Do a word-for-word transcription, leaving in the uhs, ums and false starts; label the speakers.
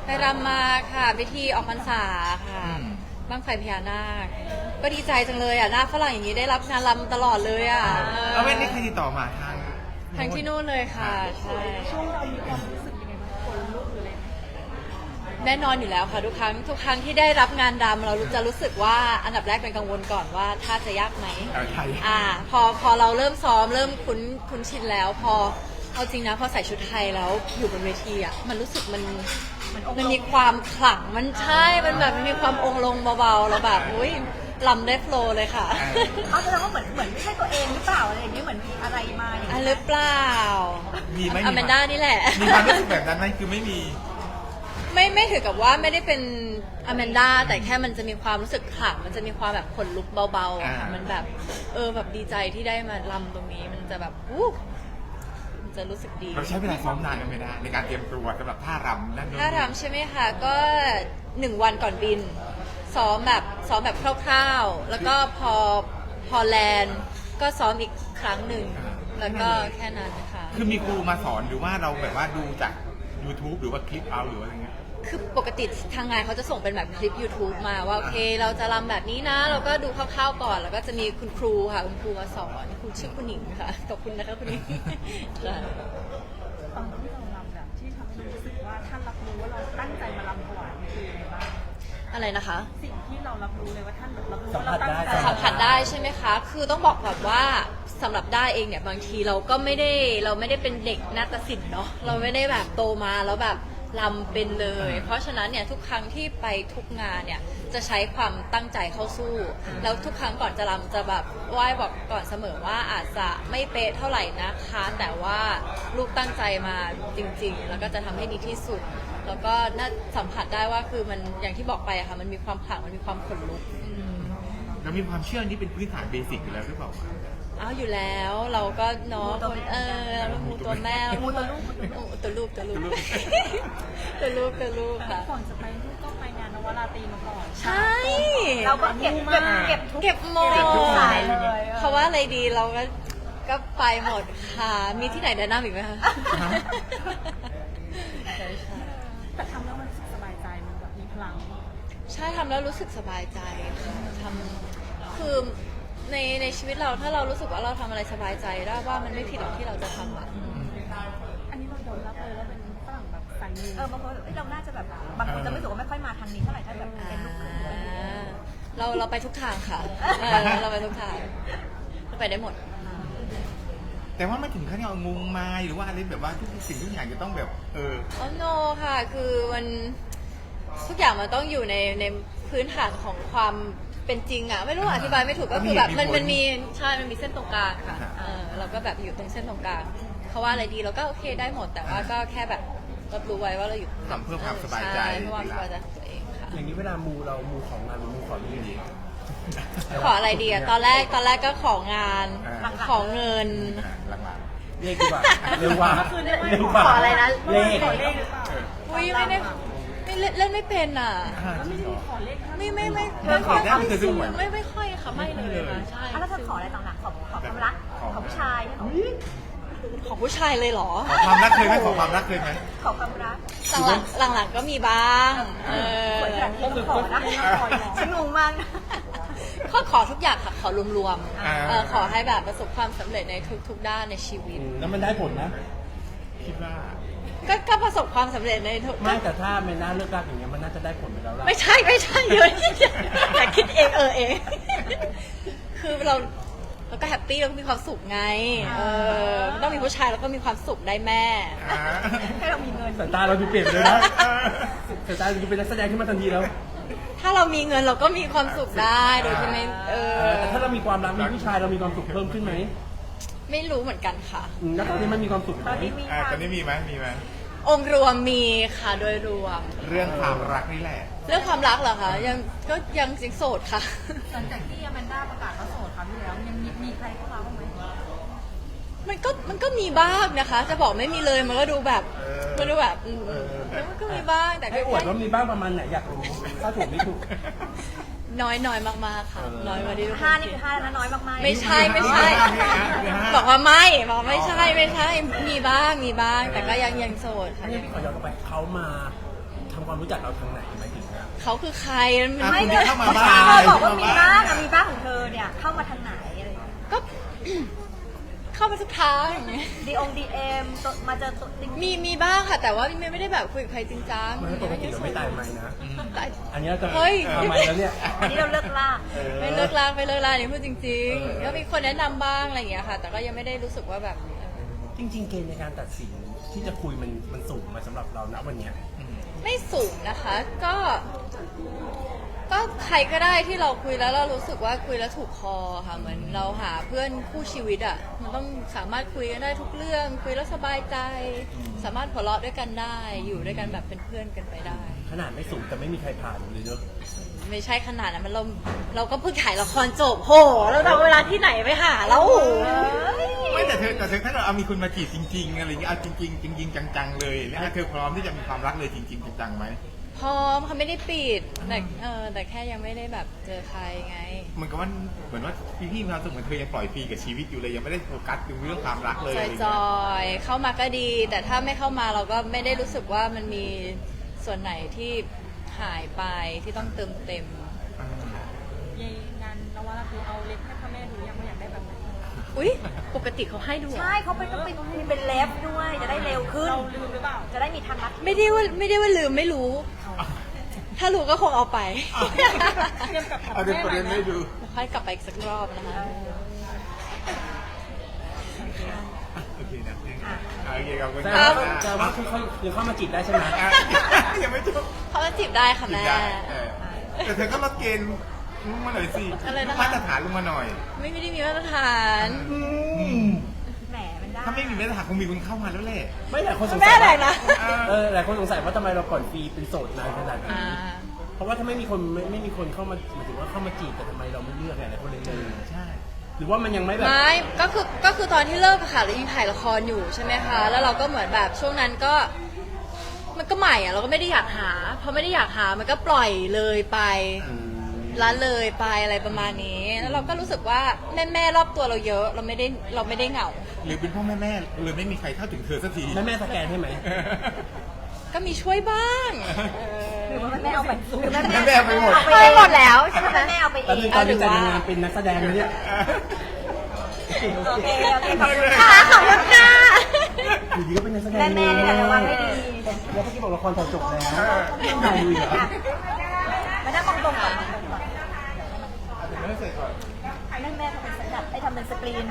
Speaker 1: รำมาค่ะพิธีออกพรรษาค่ะบั้งไฟพญานาคก็ดีใจจังเลยอ่ะหน้าฝรั่งอย่างนี้ได้รับงานรำตลอดเลยอ่ะ
Speaker 2: แล้วไม่ได้ใครติดต่อมาทาง
Speaker 1: ทางที่นู่นเลยค่ะใช่
Speaker 3: ช่วงเรามีความรู้สึกยังไงบ้างคนลุกหรืออะไร
Speaker 1: แน่นอนอยู่แล้วค่ะทุกครั้งทุกครั้งที่ได้รับงานรำเราจะรู้สึกว่าอันดับแรกเป็นกังวลก่อนว่าถ้าจะยากไหมอ่าพอพอเราเริ่มซ้อมเริ่มคุ้นคุ้นชินแล้วพอเอาจริงนะพอใส่ชุดไทยแล้วอยู่บนเวทีอ่ะมันรู้สึกมันมันมีความขลังมันใช่มันแบบมันมีความองค์ลงเบาๆแล้วแบบอุ้ยลำได้โฟลว์เลยค่ะ
Speaker 3: เขาแสดงว่าเหมือนเหมือนไม่ใช่ตัวเองหรือเปล่าอะไรอย่างเงี้ยเหมือนมีอะไรมาอย่าง
Speaker 1: อ่ะ
Speaker 3: เงี้ย
Speaker 1: หรือเปล่า
Speaker 2: มีไหม
Speaker 1: อแมนด้านี่แหละ
Speaker 2: มีความรู้สึกแบบนั้นไหมคือไม่มี
Speaker 1: ไม่ไม่ถือกับว่าไม่ได้เป็นอแมนด้าแต่แค่มันจะมีความรู้สึกขลังมันจะมีความแบบขนลุกเบาๆค่ะมันแบบเออแบบดีใจที่ได้มาลำตรงนี้มันจะแบบอู้มันจะรู้สึกดี
Speaker 2: เราใช้เวลาซ้อมนานไหมนะในการเตรียมตัวสำหรับท่ารำนั่นนู่น
Speaker 1: ท่ารำใช่ไหมคะก็หนึ่งวันก่อนบินซ้อมแบบซ้อมแบบคร่าวๆแล้วก็พอพอแลนด์ก็ซ้อมอีกครั้งหนึ่งแล้วก็แค่นั้นค่ะ
Speaker 2: คือมีครูมาสอนหรือว่าเราแบบว่าดูจาก YouTube หรือว่าคลิปเอาหรืออะไรเงี้ย
Speaker 1: คือปกติทางงานเขาจะส่งเป็นแบบคลิป YouTube มาว่าโอเคเราจะรำแบบนี้นะเราก็ดูคร่าวๆก่อนแล้วก็จะมีคุณครูค่ะคุณครูมาสอนคุณชื่อคุณหนิงค่ะขอบคุณนะคะคุณหนิง
Speaker 3: ตอนที่เรารำแบบที่ทำให้รู้สึกว่าท่านรับรู้ว่าเราตั้งใจมารำถวายคืออะไรบ้าง
Speaker 1: อะไรนะคะ
Speaker 3: สิ่งที่เรารับรู้เลยว่าท่านรับรู้ว่าเราตั้งใจ
Speaker 1: สัมผัสได้ใช่ไหมคะคือต้องบอกแบบว่าสำหรับได้เองเนี่ยบางทีเราก็ไม่ได้เราไม่ได้เป็นเด็กนาฏศิลป์เนาะเราไม่ได้แบบโตมาแล้วแบบลำเป็นเลยเพราะฉะนั้นเนี่ยทุกครั้งที่ไปทุกงานเนี่ยจะใช้ความตั้งใจเข้าสู้แล้วทุกครั้งก่อนจะลำจะแบบไหว้บอกก่อนเสมอว่าอาจจะไม่เป๊ะเท่าไหร่นะคะแต่ว่าลูกตั้งใจมาจริงๆแล้วก็จะทำให้ดีที่สุดแล้วก็น่าสัมผัสได้ว่าคือมันอย่างที่บอกไปอะค่ะมันมีความขลังมันมีความขนลุก
Speaker 2: เรามีความเชื่อนี้เป็นพื้นฐานเบสิกอยู่แล้วหรือเปล่า
Speaker 1: อ้าวอยู่แล้วเราก็เนาะคนเออเรามูตัวแม่
Speaker 3: มูตัวลูก
Speaker 1: ตัวลูกตัวลูกตัวลูกตัวลูกค่ะ
Speaker 3: ก่อนจะไปลูกก็ไปงานนวราตรีมาก่อน
Speaker 1: ใช่
Speaker 3: เราก็เก็บเก็บเก็บ
Speaker 1: เก็บหมด
Speaker 3: สายเลย
Speaker 1: เพราะว่าอะไรดีเราก็ก็ไปหมดค่ะมีที่ไหนแนะนำอีกไหมคะ
Speaker 3: แต่ทำแล้วมันรู้สึกสบายใจมันแบบมีพลัง
Speaker 1: ใช่ทำแล้วรู้สึกสบายใจค่ะทำคือในในชีวิตเราถ้าเรารู้สึกว่าเราทำอะไรสบายใจได้ว่ามันไม่ผิดหรอกที่เราจะทำอ่ะ
Speaker 3: อันนี้เรายอมรับเลยว่าเป็นฝรั่งแบบสายมูเออบางคนเราน่าจะแบบบางคนจะไม่รู้สึกว่าไม่ค่อยมาทางนี้เท่าไหร่ถ้าแบบเป็นลูกครึ่ง
Speaker 1: เราเราไปทุกทางค่ะเราไปทุกทางเราไปได้หมด
Speaker 2: แต่ว่าไม่ถึงขั้นเอางงมาหรือว่าอะไรแบบว่าทุกสิ่งทุกอย่างจะต้องแบบเออ
Speaker 1: อ๋อโนค่ะคือมันทุกอย่างมันต้องอยู่ในในพื้นฐานของความเป็นจริงอ่ะไม่รู้อธิบายไม่ถูกก็คือแบบมันมันมีใช่มันมีเส้นตรงกลางค่ะเออเราก็แบบอยู่ตรงเส้นตรงกลางเขาว่าอะไรดีเราก็โอเคได้หมดแต่ว่าก็แค่แบบรับรู้ไว้ว่าเราอยู่
Speaker 2: ทำเพื่อความสบายใจ
Speaker 1: เพื่อความสบายใจของตัวเองค่ะ
Speaker 4: อย่างนี้เวลามูเรามูของงานมูขอที่ดี
Speaker 1: ขออะไรดีอ่ะตอนแรกตอนแรกก็ของานขอเงิน
Speaker 4: เลขดีกว่าเร็วกว่า
Speaker 1: เร็วกว่าขออะไรนะ
Speaker 4: เลข
Speaker 1: อุ้ยไม่ได้ไม่เล่นไม่เป็นอ่ะไม่ไม่ไม่ไม่
Speaker 2: ขอได้ไม่เคยซื้อหวย
Speaker 1: ไม่ไม่ค่อยค่ะไม่เลยค่ะใช่
Speaker 3: แล้วเธอขออะไรต่างหากขอขอความรักขอผู้ชาย
Speaker 1: ของผู้ชายเลยเหรอ
Speaker 2: ขอความรักเคยไหมขอความรักเคยไหม
Speaker 3: ขอความรัก
Speaker 1: หลังหลังหลังก็มีบ้างเออ
Speaker 3: ขอนะฉันงงมาก
Speaker 1: ข้อขอทุกอย่างค่ะขอรวมๆขอให้แบบประสบความสำเร็จในทุกๆด้านในชีวิต
Speaker 4: แล้วมันได้ผลนะ
Speaker 2: คิดว่า
Speaker 1: ก็ก็ประสบความสำเร็จในทุก
Speaker 4: ไม่แต่ถ้าไม่น่าเลือกรักอย่างเงี้ยมันน่าจะได้ผลไปแล้วล่ะ
Speaker 1: ไม่ใช่ไม่ใช่เยอะแต่คิดเองเออเองคือเราเราก็แฮปปี้เราก็มีความสุขไงเออต้องมีผู้ชายแล้วก็มีความสุขได้แม่
Speaker 3: ให้เรามีเงิน
Speaker 4: สายตาเราดูเปลี่ยนเลยนะสายตาเราดูเป็นนักแสดงขึ้นมาทันทีแล้ว
Speaker 1: ถ้าเรามีเงินเราก็มีความสุขได้โดยที่ไม่เออ
Speaker 4: แต่ถ้าเรามีความรักมีผู้ชายเรามีความสุขเพิ่มขึ้นไหม
Speaker 1: ไม่รู้เหมือนกันค่ะ
Speaker 4: แล้วตอนนี้มันมีความสุขไหม
Speaker 2: ตอนนี้มีไหมมีไหม
Speaker 1: องค์รวมมีค่ะโดยรวม
Speaker 2: เรื่องความรักนี่แหละ
Speaker 1: เรื่องความรักเหรอคะยังก็ยังสิงโสดค่ะ
Speaker 3: หลังจากที่อแมนด้าประกาศว่าโสดครั้งที่แล้วยังมีมีใครเข้ามาบ้างไหม
Speaker 1: มันก็มันก็มีบ้างนะคะจะบอกไม่มีเลยมันก็ดูแบบมันดูแบบมันก็มีบ้างแต่
Speaker 4: ให้อวดว่ามีบ้างประมาณไหนอยากรู้ถ้าถูกไม่ถูก
Speaker 1: น้อยน้อยมากๆค่ะน้อยกว่าที่
Speaker 3: ห้านี่คือห้าแล้วน้อยมากๆ
Speaker 1: ไม่ใช่ไม่ใช่บอกว่าไม่บอกไม่ใช่ไม่ใช่มีบ้างมีบ้างแต่ก็ยังยังโสดค่ะ
Speaker 4: พี่ขอย้อนกลับไปเขามาทำความรู้จักเราทางไหนหมายถึงนะ
Speaker 1: เขาคือใครมัน
Speaker 2: อ่ะ
Speaker 1: ไม่
Speaker 2: คุณ
Speaker 1: ได้
Speaker 2: ที่เข้ามา
Speaker 3: เธ
Speaker 2: บ้าง
Speaker 3: อบอกว่ามีบ้างอะมีบ้างของเธอเนี่ยเข้ามาทางไหนอะไรอย่างเงี้ย
Speaker 1: ก็ เข้าไปทุกทางอย่างเงี้ย
Speaker 3: ดีองดีเอ็มมาเจอตัวจริง
Speaker 1: มีมีบ้างค่ะ แต่ว่าไม่ไม่ได้แบบคุยกับใครจริงจัง
Speaker 4: ไม่ปกติเราไม่ตายไหมนะ
Speaker 1: แต่
Speaker 4: อันนี้เราจะ
Speaker 1: เฮ้ย
Speaker 4: ทำไมแล้วเนี่ย
Speaker 3: อันนี้เราเลิกลาก
Speaker 4: ออ
Speaker 1: ไม่เลิกลากไม่เลิกลากนี่พูดจริง
Speaker 4: เออ
Speaker 1: ๆก็มีคนแนะนำบ้างอะไรอย่างเงี้ยค่ะ แต่ก็ยังไม่ได้รู้สึกว่าแบบ
Speaker 4: จริง ๆ เกณฑ์ในการตัดสินที่จะคุยมันมันสูงมาสำหรับเราณวันเนี้ย
Speaker 1: ไม่สูงนะคะ ก็ ก็ใครก็ได้ที่เราคุยแล้วเรารู้สึกว่าคุยแล้วถูกคอค่ะ เหมือนเราหาเพื่อนคู่ชีวิตอ่ะ มันต้องสามารถคุยกันได้ทุกเรื่อง คุยแล้วสบายใจ สามารถหัวเราะด้วยกันได้ อยู่ด้วยกันแบบเป็นเพื่อนกันไปได้
Speaker 4: ขนาดไม่สูงแต่ไม่มีใครผ่านเลยเนอะ
Speaker 1: ไม่ใช่ขนาดนั้นมันเราเราก็เพิ่งถ่ายละครจบโหเราเอาเวลาที่ไหนไปหาแล้ว
Speaker 2: ไม่แต่เธอแต่เธอถ้าเราเอามีคนมาจีบจริงๆอะไรอย่างเงี้ยเอาจริงๆจริงๆจังๆเลยแล้วเธอพร้อมที่จะมีความรักเลยจริงๆจังๆไหม
Speaker 1: พร้อมเขาไม่ได้ปิดแต่เออแต่แค่ยังไม่ได้แบบเจอใครไง
Speaker 2: เหมือนกับว่าเหมือนว่าพี่ๆมีความสุขเหมือนเธอยังปล่อยฟรีกับชีวิตอยู่เลยยังไม่ได้โฟกัสถึงเรื่องความรักเลย
Speaker 1: จ
Speaker 2: อะไร
Speaker 1: อย
Speaker 2: อย่าง
Speaker 1: จ
Speaker 2: เงี้ย
Speaker 1: อยๆเข้ามาก็ดี แต่ถ้าไม่เข้ามาเราก็ไม่ได้รู้สึกว่ามันมีส่วนไหนที่หายไปที่ต้องเติมเต็ม
Speaker 3: ยายงานนวราคือเอาเล็บให้พ่อแม่ดูยังไม่อยากได้แบบไหน
Speaker 1: อุ๊ย ปกติเขาให้ดูเหรอ
Speaker 3: ใช่เขาไปต้องไปมีเป็นเล็บด้วยจะได้เร็วขึ้นเราลืมหรือเปล่าจะได้มีทางลัด
Speaker 1: ไม่ได้ว่าไม่ได้ว่าลืมไม่รู้ ถ้ารู้ก็คงเอาไป
Speaker 3: เตรียมกับ
Speaker 2: เอาเดี๋ยวประเด็นไม่ดู
Speaker 1: ค่อยกลับไปอีกสักรอบนะคะ
Speaker 2: โอเคนะโอเคขอบคุณ
Speaker 4: แต่
Speaker 2: ค
Speaker 4: ว่า
Speaker 2: รับ
Speaker 4: แต่ว่าคือเขายังเข้ามาจีบได้ใช่ไหม
Speaker 2: อ่ะยังไม่จบ
Speaker 1: เขาก็จีบได้ค่ะ
Speaker 2: จีบ
Speaker 1: แม่
Speaker 2: ได้เออแต่เธอก็ลดเกณฑ์ลงมาหน่อยสิ
Speaker 1: อะไรนะคะ
Speaker 2: มาตรฐานลงมาหน่อย
Speaker 1: ไม่ไม่ได้มีมาตรฐาน
Speaker 3: แหมมันได้
Speaker 2: ถ้าไม่มีมาตรฐานคงมีคนเข้ามาแล้วแหละ
Speaker 4: ไม่แต่คนสง
Speaker 1: แม่
Speaker 4: สัย
Speaker 1: ไหนนะ
Speaker 4: เออหลายคนสงสัยว่าทำไมเราปล่อยฟรีเป็นโสดนานขนาดนี้
Speaker 1: อ่า
Speaker 4: เพราะว่าถ้าไม่มีคนไม่ไม่มีคนเข้ามาหมายถึงว่าเข้ามาจีบแต่ทำไมเราไม่เลือกไงหลายคนเลยเลย
Speaker 2: ใช่
Speaker 4: หรือว่ามันยังไม่แบบ
Speaker 1: ไม่ ก็คือ ก็คือตอนที่เลิกอะค่ะเรายังถ่ายละครอยู่ใช่ไหมคะ แล้วเราก็เหมือนแบบช่วงนั้นก็ มันก็ใหม่อะเราก็ไม่ได้อยากหา พอไม่ได้อยากหา มันก็ปล่อยเลยไป
Speaker 4: อืม
Speaker 1: ละเลยไปอะไรประมาณนี้ แล้วเราก็รู้สึกว่าแม่แม่ๆรอบตัวเราเยอะ เราไม่ได้ เราไม่ได้เหงา
Speaker 2: หรือเป็นพ่อแม่แม่ๆเลยไม่มีใครเข้าถึงเธอสักที
Speaker 4: แม่แม่สแกนให้ไหม
Speaker 1: ก็มีช่วยบ้าง
Speaker 3: หรือว่าแม่เอาไปหรือแม่
Speaker 2: แม่เอาไปหมด
Speaker 1: เอาไปหมดแล้วใช่ไหม
Speaker 3: แม่เอาไปเอ
Speaker 4: ตอน
Speaker 3: ง
Speaker 4: นี้ตอนนี้แต่งงานเป็นนักแสดงเลยเนี่ย
Speaker 3: โอเคโอเคขอบคุณ
Speaker 1: ค่ะ
Speaker 3: ค่ะ
Speaker 1: ขอบคุณค่ะ
Speaker 4: อยู่ดีก็เป็นนักแสดง
Speaker 3: แม่แม่นี่แหละระวังให้ดี
Speaker 4: แล้วเมื่อกี้บอกละครถ่ายจบแล้วถ่ายอยู่เหรอ
Speaker 3: อ่ะมานั่งตรงๆก่อน
Speaker 2: ไม่เสร็จก่อน
Speaker 3: แม่แม่ทำเป็นสแตนด์ไอ้ทำเป็นสกรีน